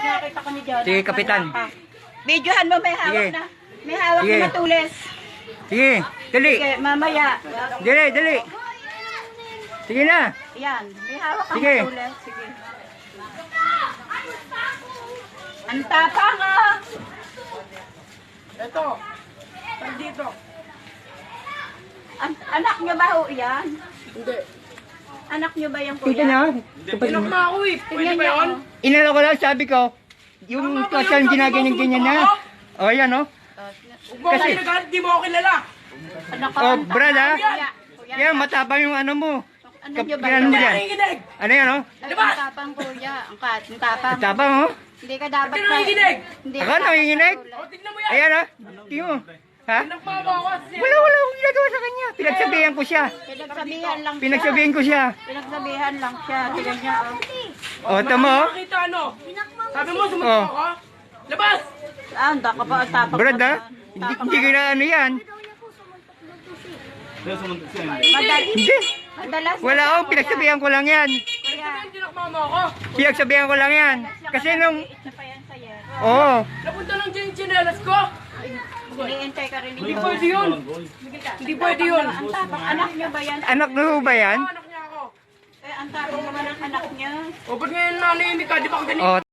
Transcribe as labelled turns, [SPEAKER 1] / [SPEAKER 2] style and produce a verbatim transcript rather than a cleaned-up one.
[SPEAKER 1] Pag nakita ko ni John.
[SPEAKER 2] Sige, Kapitan.
[SPEAKER 1] Videohan mo, may hawak
[SPEAKER 2] Sige.
[SPEAKER 1] na. May hawak
[SPEAKER 2] Sige.
[SPEAKER 1] na matulis.
[SPEAKER 2] Sige, dali.
[SPEAKER 1] Sige, mamaya.
[SPEAKER 2] Dali, dali. Sige na.
[SPEAKER 1] Yan, may hawak kang
[SPEAKER 2] Sige.
[SPEAKER 1] matulis. Sige. Ang tapang ah.
[SPEAKER 3] Ito. Nandito.
[SPEAKER 1] An anak niyo ba ho yan?
[SPEAKER 3] Hindi.
[SPEAKER 1] Anak niyo ba yung
[SPEAKER 2] Kita
[SPEAKER 1] kuya?
[SPEAKER 2] niyo?
[SPEAKER 3] Inom na ako eh. Pwede
[SPEAKER 1] Tingnan
[SPEAKER 3] ba
[SPEAKER 1] niyo.
[SPEAKER 3] yun?
[SPEAKER 1] oh.
[SPEAKER 2] Inalo ko lang, sabi ko, yung
[SPEAKER 3] Tama ba
[SPEAKER 2] kasal
[SPEAKER 3] yun?
[SPEAKER 2] ginaganyan-ganyan na. O, oh, yan o.
[SPEAKER 3] Huwag mo ako
[SPEAKER 2] Kasi-
[SPEAKER 3] kinagalit, di mo ako kilala.
[SPEAKER 1] Anak ko,
[SPEAKER 2] Oh,
[SPEAKER 1] ang
[SPEAKER 2] Brad,
[SPEAKER 1] tapang.
[SPEAKER 2] ah.
[SPEAKER 1] Kuya, kuya.
[SPEAKER 2] Yan, matapang yung ano mo.
[SPEAKER 1] Ano niyo ba
[SPEAKER 2] Kailan
[SPEAKER 1] yun?
[SPEAKER 2] mo
[SPEAKER 3] Hindi
[SPEAKER 2] yan?
[SPEAKER 3] nakikinig.
[SPEAKER 2] Ano yan o?
[SPEAKER 1] Ay, ang tapang kuya. Ang kat, ang tapang.
[SPEAKER 2] Matapang o.
[SPEAKER 1] Hindi ka dapat
[SPEAKER 3] Hindi nakikinig.
[SPEAKER 1] Hindi
[SPEAKER 2] Ako,
[SPEAKER 1] ka dapat
[SPEAKER 2] nakikinig?
[SPEAKER 1] matulis.
[SPEAKER 3] O, tignan mo yan.
[SPEAKER 2] Ayan o. Tingnan mo. Ha?
[SPEAKER 3] Pinagmama ako.
[SPEAKER 2] Wala, wala akong ginagawa sa kanya. Pinagsabihan ko siya.
[SPEAKER 1] Pinagsabihan lang siya.
[SPEAKER 2] Pinagsabihan ko siya.
[SPEAKER 1] Pinagsabihan lang siya. Tignan niya. Oh.
[SPEAKER 2] O, tamo o.
[SPEAKER 3] Nakita ano? Sabi mo,
[SPEAKER 2] Oh.
[SPEAKER 3] sumunod ako. Labas!
[SPEAKER 1] Ah, ang ka pa ang tapang.
[SPEAKER 2] Brad
[SPEAKER 1] mo
[SPEAKER 2] ha?
[SPEAKER 1] naman.
[SPEAKER 2] Hindi,
[SPEAKER 1] Tapang
[SPEAKER 2] hindi
[SPEAKER 1] mo.
[SPEAKER 2] ko na ano yan.
[SPEAKER 1] Madal
[SPEAKER 2] Hindi.
[SPEAKER 1] madalas.
[SPEAKER 2] Wala akong pinagsabihan ko lang yan.
[SPEAKER 1] Kuya.
[SPEAKER 3] Hindi nakmama ako.
[SPEAKER 2] Pinagsabihan ko lang yan. Kasi nung...
[SPEAKER 1] Isa pa yan sa yero.
[SPEAKER 2] Oo.
[SPEAKER 3] Napunta lang dyan yung tsinelas ko.
[SPEAKER 1] Iniintay ka rin
[SPEAKER 3] Hindi
[SPEAKER 1] dito.
[SPEAKER 3] pwede yun. Hindi pwede yun.
[SPEAKER 1] Ang tapang anak niyo ba yan?
[SPEAKER 2] Anak na ho ba yan?
[SPEAKER 3] Anak niya ako.
[SPEAKER 1] Eh, ang tapang naman ang anak niya.
[SPEAKER 3] O, ba't ngayon nanahimik ka? Di ba ako ganito?
[SPEAKER 2] O,